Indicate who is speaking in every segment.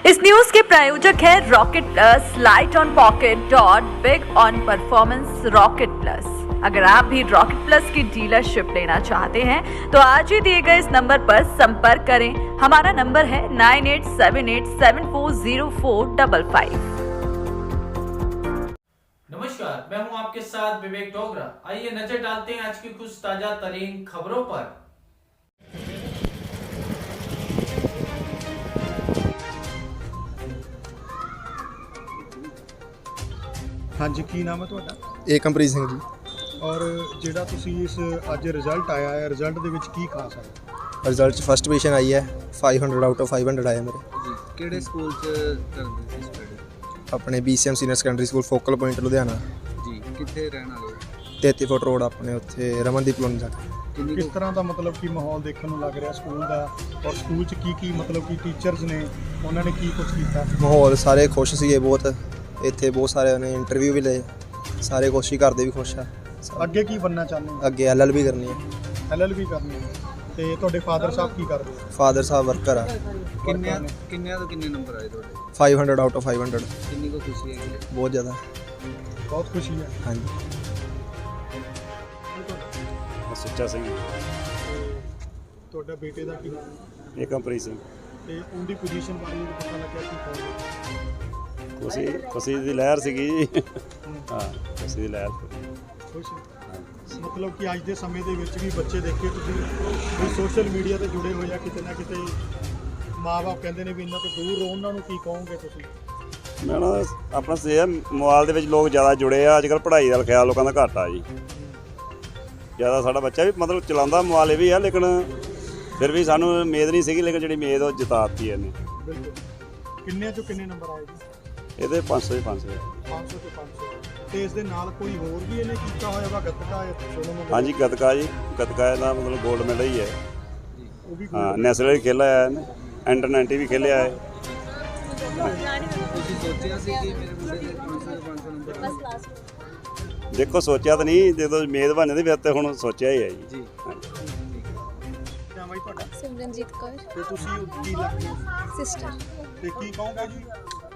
Speaker 1: इस न्यूज के प्रायोजक है rocket plus, light on pocket dot big on performance rocket plus. अगर आप भी रॉकेट प्लस की डीलरशिप लेना चाहते हैं तो आज ही दिए गए इस नंबर पर संपर्क करें। हमारा नंबर है 9878740455।
Speaker 2: नमस्कार, मैं हूं आपके साथ विवेक डोगरा। आइए नजर डालते हैं आज की कुछ ताजा तरीन खबरों पर।
Speaker 3: ਹਾਂਜੀ ਕੀ ਨਾਮ ਹੈ ਤੁਹਾਡਾ
Speaker 4: ਏਕਮਪ੍ਰੀਤ ਸਿੰਘ ਜੀ।
Speaker 3: ਔਰ ਜਿਹੜਾ ਤੁਸੀਂ ਇਸ ਅੱਜ ਰਿਜ਼ਲਟ ਆਇਆ ਹੈ ਰਿਜ਼ਲਟ ਦੇ ਵਿੱਚ ਕੀ ਖਾਸ ਹੈ
Speaker 4: ਰਿਜ਼ਲਟ 'ਚ ਫਸਟ ਪੋਜੀਸ਼ਨ ਆਈ ਹੈ। 500 ਆਊਟ ਆਫ 500 ਆਇਆ ਮੇਰੇ।
Speaker 5: ਜੀ ਕਿਹੜੇ ਸਕੂਲ 'ਚ ਕਰਦੇ ਸੀ ਸਟੱਡੀ?
Speaker 4: ਆਪਣੇ BCM senior secondary school focal point Ludhiana.
Speaker 5: ਜੀ ਕਿੱਥੇ ਰਹਿਣ ਵਾਲੇ ਹੋ?
Speaker 4: 33 ਫੁੱਟ ਰੋਡ ਆਪਣੇ ਉੱਥੇ ਰਮਨਦੀਪ ਕਲੋਨੀ ਜਾ ਕੇ।
Speaker 5: ਕਿੰਨੀ
Speaker 3: ਕਿਸ ਤਰ੍ਹਾਂ ਦਾ ਮਤਲਬ ਕਿ ਮਾਹੌਲ ਦੇਖਣ ਨੂੰ ਲੱਗ ਰਿਹਾ ਸਕੂਲ ਦਾ ਔਰ ਸਕੂਲ 'ਚ ਕੀ ਮਤਲਬ ਕਿ ਟੀਚਰਸ ਨੇ ਉਹਨਾਂ ਨੇ ਕੀ ਕੁਝ ਕੀਤਾ
Speaker 4: ਮਾਹੌਲ ਸਾਰੇ ਖੁਸ਼ ਸੀਗੇ ਬਹੁਤ। ਇੱਥੇ ਬਹੁਤ ਸਾਰਿਆਂ ਨੇ ਇੰਟਰਵਿਊ ਵੀ ਲਏ, ਸਾਰੇ ਕੋਸ਼ਿਸ਼ ਕਰਦੇ ਵੀ ਖੁਸ਼ ਆ।
Speaker 3: ਅੱਗੇ ਕੀ ਬਣਨਾ ਚਾਹੁੰਦੇ ਹੋ?
Speaker 4: ਅੱਗੇ LLB ਕਰਨੀ ਹੈ।
Speaker 3: LLB ਕਰਨੀ ਹੈ ਤੇ ਤੁਹਾਡੇ ਫਾਦਰ ਸਾਹਿਬ ਕੀ ਕਰਦੇ ਹੋ?
Speaker 4: ਫਾਦਰ ਸਾਹਿਬ ਵਰਕਰ ਆ।
Speaker 5: ਕਿੰਨਿਆਂ ਤੋਂ ਕਿੰਨੇ ਨੰਬਰ ਆਏ ਤੁਹਾਡੇ?
Speaker 4: 500 ਆਊਟ ਆਫ 500।
Speaker 5: ਕਿੰਨੀ ਕੋ ਖੁਸ਼ੀ ਹੈ?
Speaker 4: ਬਹੁਤ ਜ਼ਿਆਦਾ।
Speaker 3: ਬਹੁਤ ਖੁਸ਼ੀ ਹੈ।
Speaker 4: ਹਾਂਜੀ।
Speaker 6: ਸੁੱਚਾ ਸਿੰਘ,
Speaker 3: ਤੁਹਾਡਾ ਬੇਟੇ ਦਾ ਕੀ ਨਾਮ ਹੈ?
Speaker 6: ਏਕਮਪ੍ਰੀਤ ਸਿੰਘ।
Speaker 3: ਤੇ ਉਹਦੀ ਪੋਜੀਸ਼ਨ ਬਾਰੇ ਵੀ ਪਤਾ ਲੱਗਿਆ ਕੀ ਕਹੋਗੇ?
Speaker 6: ਖੁਸ਼ੀ ਦੀ ਲਹਿਰ ਸੀਗੀ ਜੀ। ਹਾਂ, ਖੁਸ਼ੀ ਦੀ ਲਹਿਰ।
Speaker 3: ਖੁਸ਼ ਹੈ। ਮਤਲਬ ਕਿ ਅੱਜ ਦੇ ਸਮੇਂ ਦੇ ਵਿੱਚ ਵੀ ਬੱਚੇ ਦੇਖੇ ਤੁਸੀਂ ਵੀ ਸੋਸ਼ਲ ਮੀਡੀਆ ਤੇ ਜੁੜੇ ਹੋਏ ਆ, ਕਿਤੇ ਨਾ ਕਿਤੇ ਮਾਂ-ਬਾਪ ਕਹਿੰਦੇ ਨੇ ਵੀ ਇਹਨਾਂ ਤੋਂ ਦੂਰ ਰਹੋ, ਉਹਨਾਂ ਨੂੰ ਕੀ ਕਹੋਗੇ ਤੁਸੀਂ?
Speaker 6: ਮੈਂ ਨਾ ਆਪਣਾ ਸੇ ਮੋਬਾਈਲ ਦੇ ਵਿੱਚ ਲੋਕ ਜ਼ਿਆਦਾ ਜੁੜੇ ਆ। ਅੱਜ ਕੱਲ੍ਹ ਪੜ੍ਹਾਈ ਦਾ ਖਿਆਲ ਲੋਕਾਂ ਦਾ ਘੱਟ ਆ ਜੀ। ਜ਼ਿਆਦਾ ਸਾਡਾ ਬੱਚਾ ਵੀ ਮਤਲਬ ਚਲਾਉਂਦਾ ਮੋਬਾਈਲ ਇਹ ਵੀ ਆ, ਲੇਕਿਨ ਫਿਰ ਵੀ ਸਾਨੂੰ ਉਮੀਦ ਨਹੀਂ ਸੀਗੀ, ਲੇਕਿਨ ਜਿਹੜੀ ਉਮੀਦ ਉਹ ਜਿਤਾਤੀ ਇਹਨੇ।
Speaker 3: ਬਿਲਕੁਲ। ਕਿੰਨੇ ਚੋਂ ਕਿੰਨੇ ਨੰਬਰ ਆਏ ਜੀ?
Speaker 6: ਇਹਦੇ 500 500।
Speaker 3: 500 ਤੇ 500। ਤੇ ਇਸ ਦੇ ਨਾਲ ਕੋਈ ਹੋਰ ਵੀ ਇਹਨੇ ਕੀਤਾ ਹੋਇਆ ਵਾ ਗੱਤਕਾ ਜਾਂ ਸੋਲੋ?
Speaker 6: ਹਾਂਜੀ, ਗੱਤਕਾ ਜੀ। ਗੱਤਕਾ ਇਹਦਾ ਮਤਲਬ ਗੋਲਡ ਮੈਡਲ ਹੀ ਹੈ।
Speaker 3: ਉਹ ਵੀ
Speaker 6: ਹਾਂ, ਨੈਸ਼ਨਲ ਵੀ ਖੇਲਿਆ ਹੈ ਇਹਨੇ, ਅੰਡਰ 90 ਵੀ ਖੇਲਿਆ ਹੈ।
Speaker 5: ਤੁਸੀਂ ਸੋਚਿਆ ਸੀ ਕਿ ਮੇਰੇ ਮੁੰਡੇ ਦੇ 500 ਨੰਬਰ ਆਉਣਗੇ?
Speaker 6: ਦੇਖੋ ਸੋਚਿਆ ਤਾਂ ਨਹੀਂ, ਜਦੋਂ ਉਮੀਦ ਬਣ ਜਾਂਦੀ ਫਿਰ ਤੇ ਹੁਣ ਸੋਚਿਆ ਹੀ ਹੈ ਜੀ।
Speaker 5: ਜੀ
Speaker 3: ਨਾਮ ਹੈ ਤੁਹਾਡਾ?
Speaker 7: ਸਿਮਰਨਜੀਤ ਕੌਰ,
Speaker 3: ਤੇ ਤੁਸੀਂ ਕੀ ਲੱਗਦੇ ਹੋ?
Speaker 7: ਸਿਸਟਰ।
Speaker 3: ਤੇ ਕੀ ਕਹੋਗੇ ਜੀ?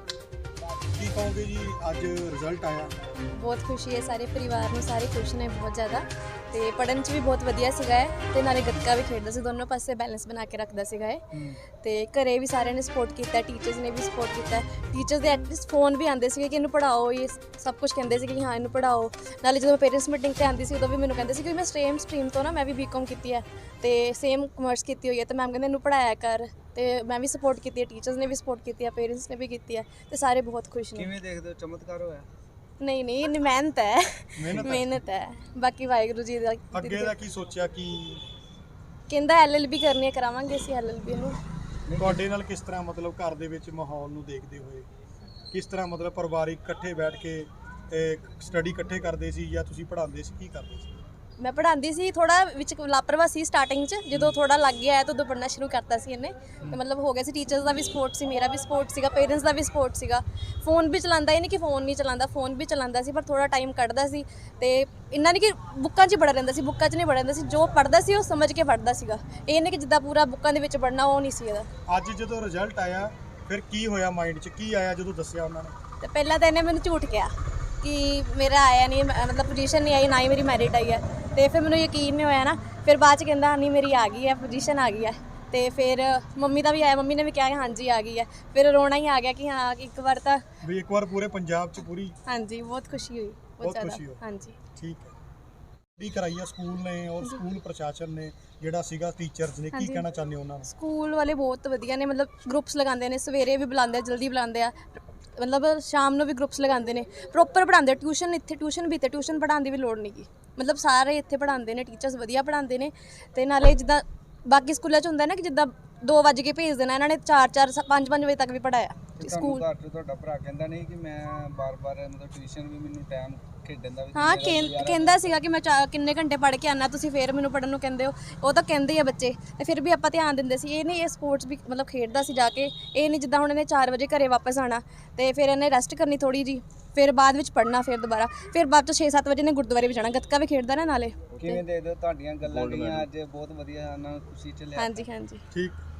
Speaker 3: ਕੀ ਕਹੋਗੇ ਜੀ ਅੱਜ ਰਿਜ਼ਲਟ ਆਇਆ?
Speaker 7: ਬਹੁਤ ਖੁਸ਼ੀ ਹੈ, ਸਾਰੇ ਪਰਿਵਾਰ ਨੂੰ, ਸਾਰੇ ਖੁਸ਼ ਨੇ ਬਹੁਤ ਜ਼ਿਆਦਾ। ਤੇ ਪੜ੍ਹਨ 'ਚ ਵੀ ਬਹੁਤ ਵਧੀਆ ਸੀਗਾ ਹੈ ਤੇ ਨਾਲੇ ਗੱਤਕਾ ਵੀ ਖੇਡਦਾ ਸੀ। ਦੋਨੋਂ ਪਾਸੇ ਬੈਲੈਂਸ ਬਣਾ ਕੇ ਰੱਖਦਾ ਸੀਗਾ ਇਹ। ਤੇ ਘਰੇ ਵੀ ਸਾਰਿਆਂ ਨੇ ਸਪੋਰਟ ਕੀਤਾ, ਟੀਚਰਸ ਨੇ ਵੀ ਸਪੋਰਟ ਕੀਤਾ। ਟੀਚਰਸ ਦੇ ਐਟਲੀਸਟ ਫੋਨ ਵੀ ਆਉਂਦੇ ਸੀਗੇ ਕਿ ਇਹਨੂੰ ਪੜ੍ਹਾਓ, ਇਹ ਸਭ ਕੁਝ ਕਹਿੰਦੇ ਸੀ ਕਿ ਹਾਂ ਇਹਨੂੰ ਪੜ੍ਹਾਓ। ਨਾਲੇ ਜਦੋਂ ਪੇਰੈਂਟਸ ਮੀਟਿੰਗ 'ਤੇ ਆਉਂਦੀ ਸੀ ਉਦੋਂ ਵੀ ਮੈਨੂੰ ਕਹਿੰਦੇ ਸੀ ਕਿ ਮੈਂ ਸੇਮ ਸਟਰੀਮ ਤੋਂ ਨਾ, ਮੈਂ ਵੀ BCom ਕੀਤੀ ਹੈ ਤੇ ਸੇਮ ਕਮਰਸ ਕੀਤੀ ਹੋਈ ਹੈ, ਤੇ ਮੈਮ ਕਹਿੰਦੇ ਇਹਨੂੰ ਪੜ੍ਹਾਇਆ ਕਰ। ਤੇ ਮੈਂ ਵੀ ਸਪੋਰਟ ਕੀਤੀ ਹੈ, ਟੀਚਰਸ ਨੇ ਵੀ ਸਪੋਰਟ ਕੀਤੀ ਹੈ, ਪੇਰੈਂਟਸ ਨੇ ਵੀ ਕੀਤੀ ਹੈ ਤੇ ਸਾਰੇ ਬਹੁਤ ਖੁਸ਼ ਨੇ।
Speaker 5: ਕਿਵੇਂ ਦੇਖਦੇ ਹੋ, ਚਮਤਕਾਰ ਹੋਇਆ?
Speaker 7: ਨਹੀਂ ਇੰਨੀ ਮਿਹਨਤ ਹੈ, ਮਿਹਨਤ ਹੈ। ਬਾਕੀ ਵਾਹਿਗੁਰੂ ਜੀ ਦਾ।
Speaker 3: ਅੱਗੇ ਦਾ ਕੀ ਸੋਚਿਆ? ਕਿ
Speaker 7: ਕਹਿੰਦਾ LLB ਕਰਨੀ ਹੈ, ਕਰਾਵਾਂਗੇ ਅਸੀਂ LLB ਨੂੰ।
Speaker 3: ਤੁਹਾਡੇ ਨਾਲ ਕਿਸ ਤਰ੍ਹਾਂ ਮਤਲਬ ਘਰ ਦੇ ਵਿੱਚ ਮਾਹੌਲ ਨੂੰ ਦੇਖਦੇ ਹੋਏ ਕਿਸ ਤਰ੍ਹਾਂ ਮਤਲਬ ਪਰਿਵਾਰਿਕ ਇਕੱਠੇ ਬੈਠ ਕੇ ਸਟੱਡੀ ਇਕੱਠੇ ਕਰਦੇ ਸੀ ਜਾਂ ਤੁਸੀਂ ਪੜ੍ਹਾਉਂਦੇ ਸੀ? ਕੀ ਕਰਦੇ ਸੀ?
Speaker 7: ਮੈਂ ਪੜ੍ਹਾਉਂਦੀ ਸੀ, ਥੋੜਾ ਵਿੱਚ ਲਾਪਰਵਾਹੀ ਸੀ ਸਟਾਰਟਿੰਗ 'ਚ। ਜਦੋਂ ਥੋੜਾ ਲੱਗ ਗਿਆ ਹੈ ਤਾਂ ਉਦੋਂ ਪੜ੍ਹਨਾ ਸ਼ੁਰੂ ਕਰਤਾ ਸੀ ਇਹਨੇ ਤੇ ਮਤਲਬ ਹੋ ਗਿਆ ਸੀ। ਟੀਚਰਸ ਦਾ ਵੀ ਸਪੋਰਟ ਸੀ, ਮੇਰਾ ਵੀ ਸਪੋਰਟ ਸੀਗਾ, ਪੇਰੈਂਟਸ ਦਾ ਵੀ ਸਪੋਰਟ ਸੀਗਾ। ਫੋਨ ਵੀ ਚਲਾਉਂਦਾ, ਇਹ ਨਹੀਂ ਕਿ ਫੋਨ ਨਹੀਂ ਚਲਾਉਂਦਾ, ਫੋਨ ਵੀ ਚਲਾਉਂਦਾ ਸੀ, ਪਰ ਥੋੜਾ ਟਾਈਮ ਕੱਢਦਾ ਸੀ। ਤੇ ਇੰਨਾ ਨਹੀਂ ਕਿ ਬੁੱਕਾਂ 'ਚ ਬੜਾ ਰਹਿੰਦਾ ਸੀ, ਬੁੱਕਾਂ 'ਚ ਨਹੀਂ ਬੜਾ ਰਹਿੰਦਾ ਸੀ। ਜੋ ਪੜ੍ਹਦਾ ਸੀ ਉਹ ਸਮਝ ਕੇ ਪੜ੍ਹਦਾ ਸੀਗਾ। ਇਹ ਨਹੀਂ ਕਿ ਜਿੱਦਾਂ ਪੂਰਾ ਬੁੱਕਾਂ ਦੇ ਵਿੱਚ ਪੜ੍ਹਨਾ, ਉਹ ਨਹੀਂ ਸੀ ਇਹਦਾ।
Speaker 3: ਅੱਜ ਜਦੋਂ ਰਿਜ਼ਲਟ ਆਇਆ ਫਿਰ ਕੀ ਹੋਇਆ ਮਾਈਂਡ 'ਚ? ਕੀ ਆਇਆ ਜਦੋਂ ਦੱਸਿਆ ਉਹਨਾਂ ਨੇ?
Speaker 7: ਤੇ ਪਹਿਲਾਂ ਤਾਂ ਇਹਨੇ ਮੈਨੂੰ ਝੂਠ ਕਿਹਾ ਕਿ ਮੇਰਾ ਆਇਆ ਨਹੀਂ, ਮਤਲਬ ਪੋਜੀਸ਼ਨ ਨਹੀਂ ਆਈ, ਨਾ ਹੀ ਮੇਰੀ ਮੈਰਿਟ ਆਈ ਹੈ। ਤੇ ਫਿਰ ਮੈਨੂੰ ਯਕੀਨ ਨਹੀਂ ਹੋਇਆ ਨਾ। ਫਿਰ ਬਾਅਦ 'ਚ ਕਹਿੰਦਾ ਨਹੀਂ ਮੇਰੀ ਆ ਗਈ ਹੈ, ਪੋਜੀਸ਼ਨ ਆ ਗਈ ਹੈ। ਤੇ ਫਿਰ ਮੰਮੀ ਦਾ ਵੀ ਆਇਆ, ਮੰਮੀ ਨੇ ਵੀ ਕਿਹਾ ਹਾਂਜੀ ਆ ਗਈ ਹੈ। ਫਿਰ ਰੋਣਾ ਹੀ ਆ ਗਿਆ ਕਿ ਹਾਂ ਇੱਕ ਵਾਰ ਤਾਂ
Speaker 3: ਵੀ ਇੱਕ ਵਾਰ ਪੂਰੇ ਪੰਜਾਬ 'ਚ ਪੂਰੀ।
Speaker 7: ਹਾਂਜੀ, ਬਹੁਤ ਖੁਸ਼ੀ ਹੋਈ, ਬਹੁਤ
Speaker 3: ਖੁਸ਼ੀ ਹੋਈ।
Speaker 7: ਜ਼ਿਆਦਾ। ਹਾਂਜੀ,
Speaker 3: ਠੀਕ ਹੈ। ਕੀ ਕਰਾਈ ਆ ਸਕੂਲ ਨੇ ਔਰ ਸਕੂਲ ਪ੍ਰਸ਼ਾਸਨ ਨੇ ਜਿਹੜਾ ਸੀਗਾ, ਟੀਚਰਸ ਨੇ, ਕੀ ਕਹਿਣਾ ਚਾਹੁੰਦੇ ਹੋ ਉਹਨਾਂ ਨੂੰ?
Speaker 7: ਸਕੂਲ ਵਾਲੇ ਬਹੁਤ ਵਧੀਆ ਨੇ, ਮਤਲਬ ਗਰੁੱਪਸ ਲਗਾਉਂਦੇ ਨੇ, ਸਵੇਰੇ ਵੀ ਬੁਲਾਉਂਦੇ ਆ, ਜਲਦੀ ਬੁਲਾਉਂਦੇ ਆ, ਮਤਲਬ ਸ਼ਾਮ ਨੂੰ ਵੀ ਗਰੁੱਪਸ ਲਗਾਉਂਦੇ ਨੇ, ਪ੍ਰੋਪਰ ਪੜ੍ਹਾਉਂਦੇ। ਟਿਊਸ਼ਨ ਇੱਥੇ ਟਿਊਸ਼ਨ ਵੀ ਤੇ ਟਿਊਸ਼ਨ ਪੜ੍ਹਾਉਣ ਦੀ ਵੀ ਲੋੜ ਨਹੀਂ ਗੀ, ਮਤਲਬ ਸਾਰੇ ਇੱਥੇ ਪੜ੍ਹਾਉਂਦੇ ਨੇ, ਟੀਚਰਸ ਵਧੀਆ ਪੜ੍ਹਾਉਂਦੇ ਨੇ। ਤੇ ਨਾਲੇ ਜਿੱਦਾਂ ਬਾਕੀ ਸਕੂਲਾਂ 'ਚ ਹੁੰਦਾ ਨਾ ਕਿ ਜਿੱਦਾਂ 2 ਵਜੇ ਕੇ ਭੇਜ ਦੇਣਾ, ਇਹਨਾਂ ਨੇ 4 5 ਵਜੇ ਤੱਕ ਵੀ ਪੜ੍ਹਾਇਆ ਸਕੂਲ।
Speaker 5: ਤੁਹਾਡਾ ਭਰਾ ਕਹਿੰਦਾ ਨਹੀਂ ਕਿ ਮੈਂ ਬਾਰ-ਬਾਰ ਮਤਲਬ ਟਿਊਸ਼ਨ ਵੀ ਮੈਨੂੰ ਟਾਈਮ ਖੇਡਣ ਦਾ ਵੀ?
Speaker 7: ਹਾਂ, ਕਹਿੰਦਾ ਸੀਗਾ ਕਿ ਮੈਂ ਕਿੰਨੇ ਘੰਟੇ ਪੜ੍ਹ ਕੇ ਆਉਣਾ, ਤੁਸੀਂ ਫਿਰ ਮੈਨੂੰ ਪੜ੍ਹਨ ਨੂੰ ਕਹਿੰਦੇ ਹੋ। ਉਹ ਤਾਂ ਕਹਿੰਦੇ ਆ ਬੱਚੇ, ਤੇ ਫਿਰ ਵੀ ਆਪਾਂ ਧਿਆਨ ਦਿੰਦੇ ਸੀ। ਇਹ ਨਹੀਂ, ਇਹ ਸਪੋਰਟਸ ਵੀ ਮਤਲਬ ਖੇਡਦਾ ਸੀ ਜਾ ਕੇ। ਇਹ ਨਹੀਂ ਜਿੱਦਾਂ ਹੁਣ ਇਹਨੇ 4 ਵਜੇ ਘਰੇ ਵਾਪਸ ਆਉਣਾ ਤੇ ਫਿਰ ਇਹਨੇ ਰੈਸਟ ਕਰਨੀ ਥੋੜ੍ਹੀ ਜੀ, ਫਿਰ ਬਾਅਦ ਵਿੱਚ ਪੜ੍ਹਨਾ, ਫਿਰ ਦੁਬਾਰਾ, ਫਿਰ ਬਾਅਦ 'ਚ 6-7 ਵਜੇ ਨੇ ਗੁਰਦੁਆਰੇ ਵੀ ਜਾਣਾ। ਗੱਤਕਾ ਵੀ ਖੇਡਦਾ ਨਾ ਨਾਲੇ।
Speaker 5: ਕਿਵੇਂ ਦੇ ਦਿਓ ਤੁਹਾਡੀਆਂ ਗੱਲਾਂ ਜਿਹੜੀਆਂ ਅੱਜ ਬਹੁਤ ਵਧੀਆ, ਉਹਨਾਂ ਨੂੰ ਖੁਸ਼ੀ 'ਚ ਲਿਆ?
Speaker 7: ਹਾਂਜੀ
Speaker 3: ਠੀਕ।